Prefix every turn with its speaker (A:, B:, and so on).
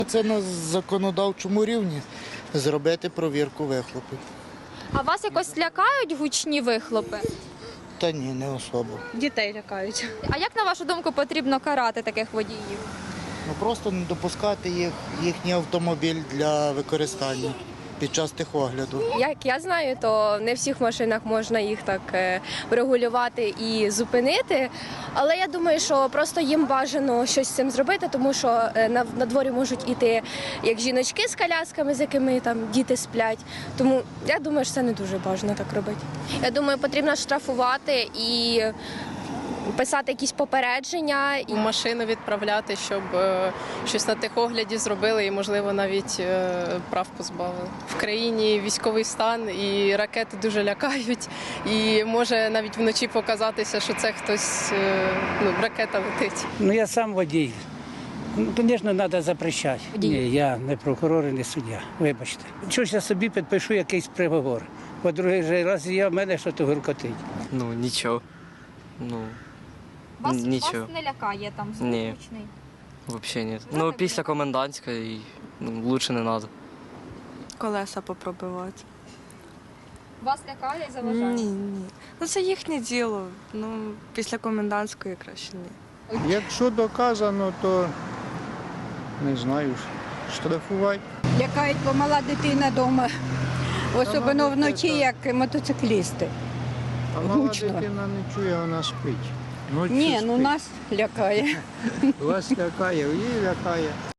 A: Це на законодавчому рівні зробити провірку вихлопів.
B: А вас якось лякають гучні вихлопи?
A: Та ні, не особо.
C: Дітей лякають.
B: А як, на вашу думку, потрібно карати таких водіїв?
A: Ну просто не допускати їхній автомобіль для використання під час техогляду.
D: Як я знаю, то не в всіх машинах можна їх так врегулювати і зупинити. Але я думаю, що просто їм бажано щось з цим зробити, тому що на дворі можуть іти як жіночки з колясками, з якими там діти сплять. Тому я думаю, що це не дуже бажано так робити. Я думаю, потрібно штрафувати і писати якісь попередження.
C: У машину відправляти, щоб щось на техогляді зробили і, можливо, навіть прав позбавили. В країні військовий стан і ракети дуже лякають. І може навіть вночі показатися, що це хтось, ракета летить.
E: Ну, я сам водій. Ну, звісно, треба запрещати. Ні, я не прокурор і не суддя, вибачте. Чогось я собі підпишу якийсь приговор. По другий раз в мене щось гуркотить.
F: Ну, нічого. Ну,
B: Вас
F: нічого.
B: не лякає там звук
F: Ні.
B: гучний?
F: Взагалі ні. Ну, після комендантської лучше не треба.
G: Колеса попробувати.
B: Вас лякає і заважає?
G: Ні. Ну це їхнє діло. Ну, після комендантської краще ні.
H: Якщо доказано, то не знаю, штрафувати.
I: Лякають, бо мала дитина вдома, особливо вночі, як мотоциклісти.
H: А мала
I: Гучно.
H: дитина не чує, вона спить. Ночі
I: Ні, ну
H: спить.
I: нас лякає.
H: Вас лякає, її лякає.